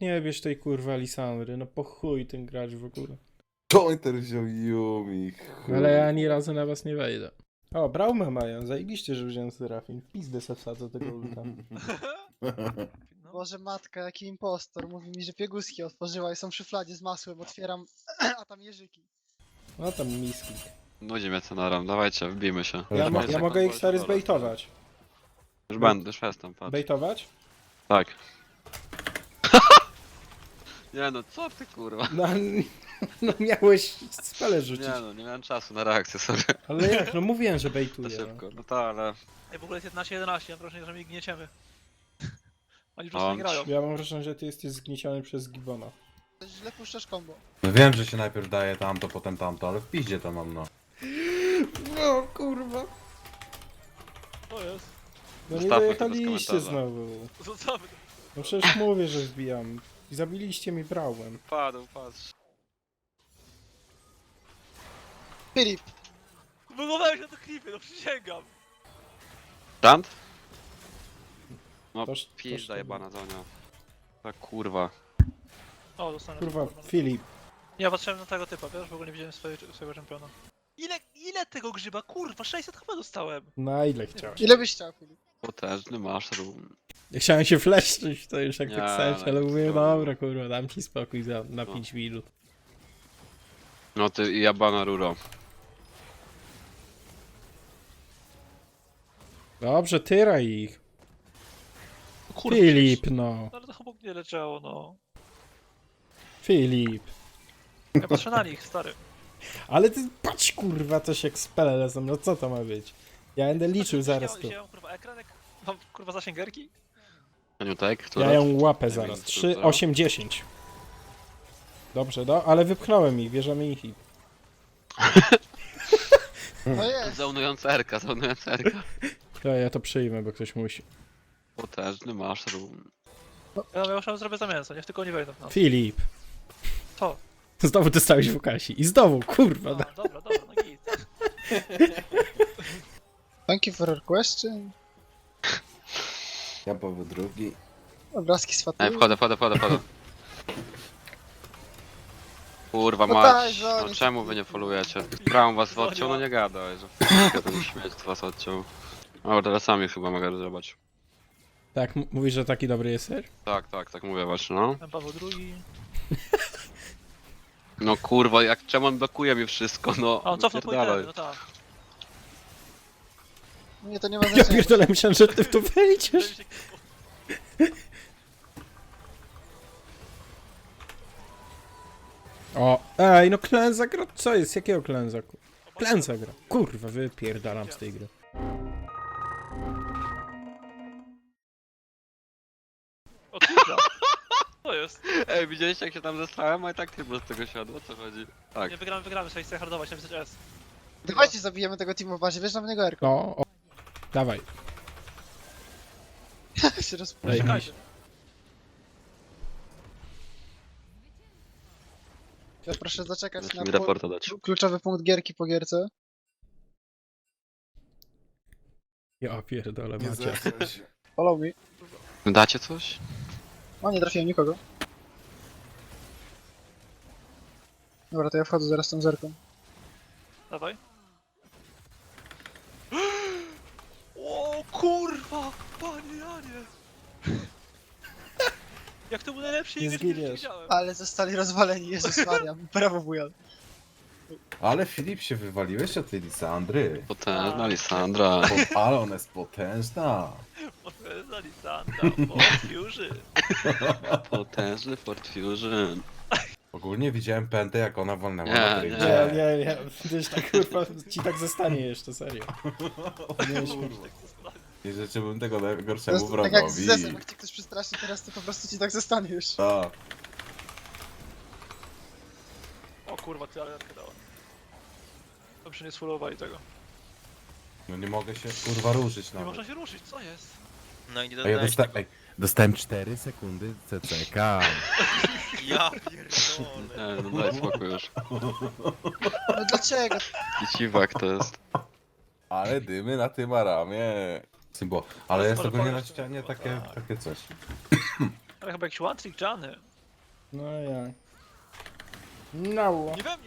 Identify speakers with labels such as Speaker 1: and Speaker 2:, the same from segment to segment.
Speaker 1: nie bierz tej kurwa Lisandry, no po chuj ten gracz w ogóle.
Speaker 2: To on teraz wziął Yumi.
Speaker 1: Ale ja ani razu na was nie wejdę. O, Braumę mają, zajebiście, że wziąłem Serafin. W pizdę se wsadzę tego ulta.
Speaker 3: No.
Speaker 4: Boże matka, jaki impostor. Mówi mi, że pieguski otworzyła i są w szufladzie z masłem. Otwieram, a tam jeżyki.
Speaker 1: No tam miski.
Speaker 5: Nudzi mnie Cenaram, dawajcie, wbijmy się.
Speaker 1: Ja,
Speaker 2: ma-
Speaker 1: ja mogę ich stary zbejtować.
Speaker 5: Już będę, już jestem, patrz.
Speaker 1: Bejtować?
Speaker 5: Tak. Nie no, co ty kurwa?
Speaker 1: No, no miałeś spele rzucić.
Speaker 5: Nie no, nie miałem czasu na reakcję sobie.
Speaker 1: Ale jak, no mówiłem, że
Speaker 5: To
Speaker 1: bejtuję.
Speaker 5: szybko. No to ale...
Speaker 3: Ej, w ogóle jest 11-11, mam wrażenie, że my ich gnieciemy. Oni po prostu
Speaker 5: On.
Speaker 3: nie grają.
Speaker 1: Ja mam wrażenie, że ty jesteś zgnieciony przez Gibbona.
Speaker 4: Źle puszczasz combo.
Speaker 2: No wiem, że się najpierw daje tamto, potem tamto, ale w piździe to mam, no.
Speaker 1: No kurwa.
Speaker 3: To jest.
Speaker 1: No nie
Speaker 5: Zostawmy to bez
Speaker 1: dojechaliście
Speaker 5: komentarza.
Speaker 1: znowu.
Speaker 3: Zostawmy to.
Speaker 1: No przecież mówię, że wbijam. I zabiliście mi Brałem.
Speaker 5: Padł, patrz.
Speaker 4: Filip,
Speaker 3: Wygłowałeś na to klipy, no przysięgam.
Speaker 5: Tant? No,
Speaker 1: Toż-
Speaker 5: pizda
Speaker 1: toż-
Speaker 5: jebana za nią. Tak kurwa.
Speaker 3: O, dostanę.
Speaker 1: Kurwa, Filip.
Speaker 3: Ja patrzyłem na tego typa, wiesz? W ogóle nie widziałem swojego czempiona. Ile tego grzyba? Kurwa, 600 chyba dostałem.
Speaker 1: Na ile chciałeś?
Speaker 4: ile byś chciał, Filip?
Speaker 5: Potężny mushroom.
Speaker 1: Ja chciałem się fleszczyć, to już jak
Speaker 5: Nie,
Speaker 1: tak chcesz,
Speaker 5: no,
Speaker 1: ale mówię,
Speaker 5: to-
Speaker 1: dobra kurwa, dam ci spokój na
Speaker 5: No.
Speaker 1: 5 minut.
Speaker 5: No ty i jebana ruro.
Speaker 1: Dobrze, tyraj ich.
Speaker 3: Kurwa,
Speaker 1: Filip, no.
Speaker 3: Ale to chyba nie leciało, no.
Speaker 1: Filip.
Speaker 3: Ja patrzę na nich, stary.
Speaker 1: Ale ty patrz kurwa, coś jak spele lecą, no co to ma być? Ja będę liczył zaraz tu.
Speaker 3: Ja mam kurwa ekran, jak mam kurwa zasięgerki?
Speaker 5: Aniutek, która?
Speaker 1: Ja ją łapę
Speaker 5: Nie
Speaker 1: zaraz.
Speaker 5: wiem,
Speaker 1: 3,
Speaker 5: co?
Speaker 1: 8, 10. Dobrze, no, ale wypchnąłem ich, bierzemy ich i...
Speaker 4: No jest.
Speaker 5: Zaunująca Erka, zaunująca Erka.
Speaker 1: Ja to przyjmę, bo ktoś musi.
Speaker 5: Potężny mushroom.
Speaker 3: Ja już zrobię za mięso, niech tylko nie wejdą w nas.
Speaker 1: Filip.
Speaker 3: Co?
Speaker 1: Znowu dostałeś w Kasi. I znowu, kurwa.
Speaker 3: A, dobra, no git.
Speaker 4: Thank you for your question.
Speaker 2: Ja powiem drugi.
Speaker 4: Obrazki z
Speaker 5: Ej,
Speaker 4: Faty.
Speaker 5: wchodzę. Kurwa
Speaker 4: No
Speaker 5: mać,
Speaker 4: tak, że
Speaker 5: no
Speaker 4: oni
Speaker 5: czemu
Speaker 4: są-
Speaker 5: wy nie folujecie? Braum was odciął, no nie gadaj, że f***a ten śmieć was odciął. O, teraz sami chyba mogę rozjebać.
Speaker 1: Tak, mówisz, że taki dobry jest ser?
Speaker 5: Tak mówię właśnie, no.
Speaker 3: Pan Paweł II.
Speaker 5: No kurwa, jak czemu on blokuje mi wszystko, no.
Speaker 3: A on cofnął po
Speaker 5: wypierdalaj.
Speaker 3: itemy, no tak.
Speaker 4: Nie, to nie ma
Speaker 1: Ja
Speaker 4: znaczenia.
Speaker 1: pierdolę, myślałem, że ty w to wejdziesz. O, ej, no klęza gra, co jest? Jakiego klęza? Klęza gra. Kurwa, wypierdalam z tej gry.
Speaker 3: O kurwa. Co jest?
Speaker 5: Ej, widzieliście jak się tam zestałem, a i tak tylko z tego siadło, o co chodzi? Tak.
Speaker 3: Nie wygramy, trzeba ich hardować, napisać S.
Speaker 4: Dawajcie zabijemy tego teamu w bazie, wiesz na mnie go Erko.
Speaker 1: No, o. Dawaj.
Speaker 4: się roz...
Speaker 1: Ej,
Speaker 3: Czekajcie.
Speaker 4: Ja proszę zaczekać
Speaker 5: Znaczy
Speaker 4: na
Speaker 5: mi raporta dać.
Speaker 4: kluczowy punkt gierki po gierce.
Speaker 1: Ja pierdolę,
Speaker 2: Nie
Speaker 1: macie.
Speaker 2: zechciał się.
Speaker 4: Follow me.
Speaker 5: Dacie coś?
Speaker 4: O, nie trafiłem nikogo. Dobra, to ja wchodzę zaraz tą zerką.
Speaker 3: Dawaj. O kurwa! Panie Janie! Jak to był najlepszy
Speaker 1: Nie
Speaker 3: image, jaki
Speaker 1: zginiesz.
Speaker 3: widziałem.
Speaker 4: Ale zostali rozwaleni, Jezus Maria. Brawo, wujan.
Speaker 2: Ale Filip się wywaliłeś od tej Lisandry.
Speaker 5: Potężna Lisandra.
Speaker 2: Ale ona jest potężna.
Speaker 3: Potężna Lisandra, Fusion.
Speaker 5: Potężny Fort Fusion.
Speaker 2: Ogólnie widziałem pętę, jak ona walnęła
Speaker 5: Nie,
Speaker 2: na
Speaker 5: nie.
Speaker 2: drifcie.
Speaker 1: Nie, gdzieś tak kurwa, ci tak zostanie jeszcze, serio. Nie śmiesz.
Speaker 2: I życzyłbym tego
Speaker 4: To
Speaker 2: najgorszemu
Speaker 4: jest tak jak z
Speaker 2: wrogowi.
Speaker 4: zesem, jak cię ktoś przestraszy teraz, to po prostu ci tak zostanie już.
Speaker 2: Tak.
Speaker 3: O kurwa, ty ale dała. Dobrze nie sfullowali tego.
Speaker 2: No nie mogę się kurwa ruszyć
Speaker 3: Nie
Speaker 2: nawet.
Speaker 3: można się ruszyć, co jest?
Speaker 6: No i nie
Speaker 2: A ja
Speaker 6: dodałeś tego.
Speaker 2: dostałem 4 sekundy CCK.
Speaker 6: Ja pierdolę.
Speaker 5: Nie, no daj spokój już.
Speaker 4: No dlaczego?
Speaker 5: I ciwak to jest.
Speaker 2: Ale dymy na tym aramie. Symbo. Ale jest
Speaker 3: Ale
Speaker 2: ogólnie na
Speaker 3: powiedz-
Speaker 2: ścianie takie coś.
Speaker 3: Ale chyba jakiś one trick Johnny.
Speaker 1: No jak? No.
Speaker 3: Nie we mnie!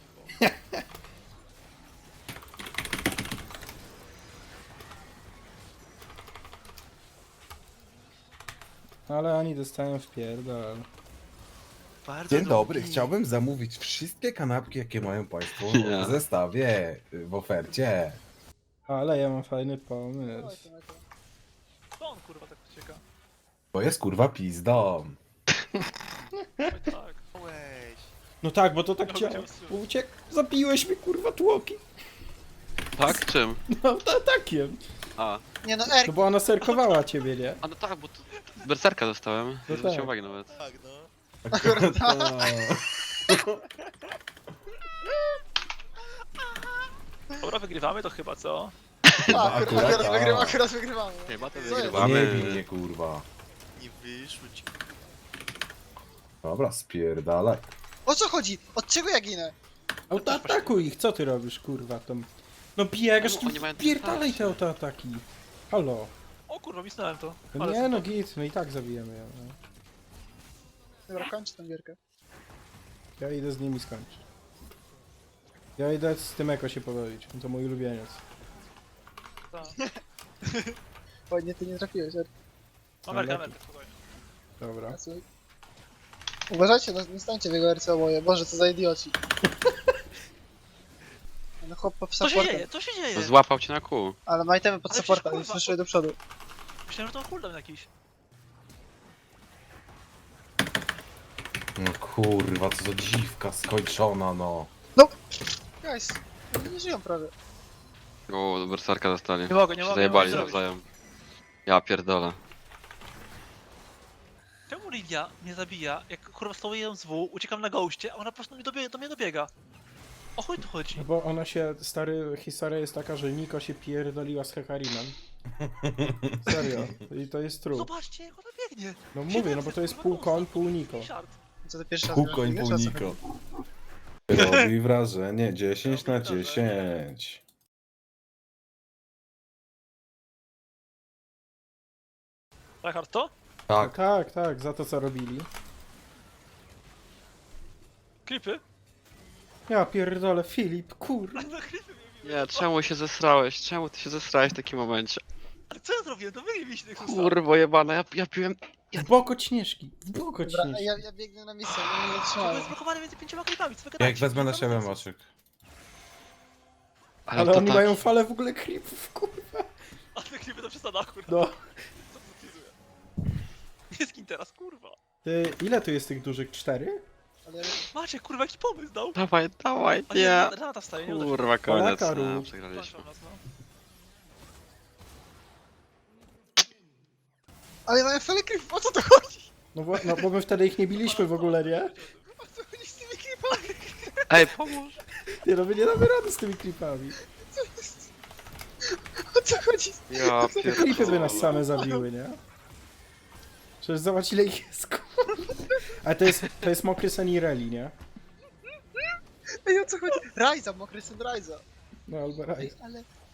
Speaker 1: Ale oni dostają w pierdol.
Speaker 3: Bardzo
Speaker 2: Dzień dobry,
Speaker 3: drogi.
Speaker 2: chciałbym zamówić wszystkie kanapki, jakie mają państwo
Speaker 5: Nie.
Speaker 2: w zestawie, w ofercie.
Speaker 1: Ale ja mam fajny
Speaker 4: Oj,
Speaker 1: pomysł.
Speaker 4: to mega.
Speaker 3: Co on kurwa tak ucieka?
Speaker 2: To jest kurwa pizdą.
Speaker 3: Oj tak.
Speaker 6: Weź.
Speaker 1: No tak, bo to tak
Speaker 3: No,
Speaker 1: działa.
Speaker 3: gdzie
Speaker 1: Uciekł. Zabiłeś mi kurwa tłoki.
Speaker 5: Tak? Czym?
Speaker 1: No takiem.
Speaker 5: A.
Speaker 4: Nie no, Erk,
Speaker 1: No bo ona serkowała ciebie, nie?
Speaker 5: A no tak, bo to berserka dostałem. Nie
Speaker 1: tak.
Speaker 5: zwróciłem uwagi nawet.
Speaker 6: Tak, no.
Speaker 3: Dobra, wygrywamy to chyba, co?
Speaker 4: akurat wygrywamy.
Speaker 5: Chyba to
Speaker 4: Co
Speaker 5: wygrywamy.
Speaker 2: Nie bij mnie kurwa.
Speaker 6: Nie wyszło ci.
Speaker 2: Dobra, spierdalaj.
Speaker 4: O co chodzi? Od czego ja ginę?
Speaker 1: Autoatakuj ich, co ty robisz kurwa tam? No biegasz,
Speaker 5: No,
Speaker 1: tu
Speaker 5: oni mają
Speaker 1: pierdalaj te
Speaker 5: dystansy.
Speaker 1: autoataki. Halo.
Speaker 3: O kurwa, misnąłem to.
Speaker 1: No
Speaker 3: Ale
Speaker 1: nie no git, my i tak zabijemy ją. No.
Speaker 4: Dobra, kończ tę gierkę.
Speaker 1: Ja idę z nimi skończyć. Ja idę z tym Eko się pobawić, to mój ulubieniec.
Speaker 3: tak.
Speaker 4: Ładnie ty nie trafiłeś, Erk.
Speaker 3: Amerka,
Speaker 1: lepiej.
Speaker 3: Amerka, spokojnie.
Speaker 1: Dobra.
Speaker 4: Uważajcie, no, nie stańcie w jego RC oboje. Boże, co za idioci. No chłop pod
Speaker 3: Co się
Speaker 4: supportem.
Speaker 3: dzieje? Co się dzieje?
Speaker 5: Złapał cię na kół.
Speaker 4: Ale ma itemy pod
Speaker 3: Ale
Speaker 4: supporta,
Speaker 3: przecież,
Speaker 4: więc
Speaker 3: kurwa,
Speaker 4: wyszły do przodu.
Speaker 3: Myślałem, że to cooldown jakiś.
Speaker 2: No kurwa, co za dziwka skończona, no.
Speaker 4: Guys, oni nie żyją prawie.
Speaker 5: O, berserka dostali.
Speaker 3: Nie mogę, nie
Speaker 5: Się
Speaker 3: mogę.
Speaker 5: zajebali
Speaker 3: nie mogę zrobić.
Speaker 5: nawzajem. Ja pierdolę.
Speaker 3: Czemu Lidia mnie zabija, jak kurwa stoję z W, uciekam na goście, a ona po prostu do mnie dobiega? O chuj tu chodzi?
Speaker 1: No bo ona się, stary, historia jest taka, że Niko się pierdoliła z Hekarimem. Serio. I to jest true.
Speaker 3: Zobaczcie, jak ona biegnie!
Speaker 1: No mówię, no bo to jest pół koń, pół Niko.
Speaker 3: Shard.
Speaker 4: Co ty pierwszy raz
Speaker 2: Pół
Speaker 4: grasz?
Speaker 2: koń,
Speaker 4: Wiesz,
Speaker 2: pół
Speaker 4: o co
Speaker 2: Niko.
Speaker 4: chodzi?
Speaker 2: Robi wrażenie, 10 na 10.
Speaker 3: Reinhardt to?
Speaker 2: Tak,
Speaker 1: Tak, tak, za to co robili.
Speaker 3: Klipy?
Speaker 1: Ja pierdolę, Filip, kurwa.
Speaker 3: No klipy mnie biły.
Speaker 5: Nie, czemu się zesrałeś? Czemu ty się zesrałeś w takim momencie?
Speaker 3: Ale co ja zrobiłem? To wy nie mieliście tych ustaw.
Speaker 5: Kurwo jebana, ja piłem...
Speaker 1: W bok od Śnieżki, w bok od
Speaker 4: Dobra,
Speaker 1: Śnieżki.
Speaker 4: ja biegnę na misję, nie
Speaker 3: To jest
Speaker 4: zatrzymałem.
Speaker 3: zblokowane między 5 klipami, co wy
Speaker 2: jak
Speaker 3: gadacie?
Speaker 2: wezmę na
Speaker 3: To
Speaker 2: siebie
Speaker 3: jest-
Speaker 2: Maciek.
Speaker 1: Ale
Speaker 5: to
Speaker 1: oni
Speaker 5: tak.
Speaker 1: mają falę w ogóle creepów, kurwa.
Speaker 3: A te klipy to przesada, kurwa.
Speaker 1: No.
Speaker 3: Co to zlizuje? Nie skin teraz, kurwa.
Speaker 1: Ty, ile tu jest tych dużych? 4?
Speaker 4: Ale
Speaker 3: Macie, kurwa, jakiś pomysł dał.
Speaker 5: Dawaj, dawaj,
Speaker 3: A
Speaker 5: nie.
Speaker 3: Renata wstaje, nie uda się.
Speaker 5: Kurwa, koniec.
Speaker 1: Polaka
Speaker 5: No,
Speaker 1: rób.
Speaker 5: przegraliśmy.
Speaker 3: Patrzą nas, no.
Speaker 4: Ale mają fele creep, o co to chodzi?
Speaker 1: No, no bo my wtedy ich nie biliśmy w ogóle, nie?
Speaker 4: O co chodzi z tymi creepami?
Speaker 5: Ej, pomóż!
Speaker 1: Nie no, my nie damy rady z tymi creepami.
Speaker 4: O co chodzi?
Speaker 5: Ja
Speaker 1: Creepy by nas
Speaker 5: pierdolę.
Speaker 1: same zabiły, nie? Przecież zobacz ile ich jest, kurwa. Ale to jest mokry sen Ireli, nie?
Speaker 4: Ej, o co chodzi? Rajza, mokry syn Rajza.
Speaker 1: No albo raj.
Speaker 4: Ale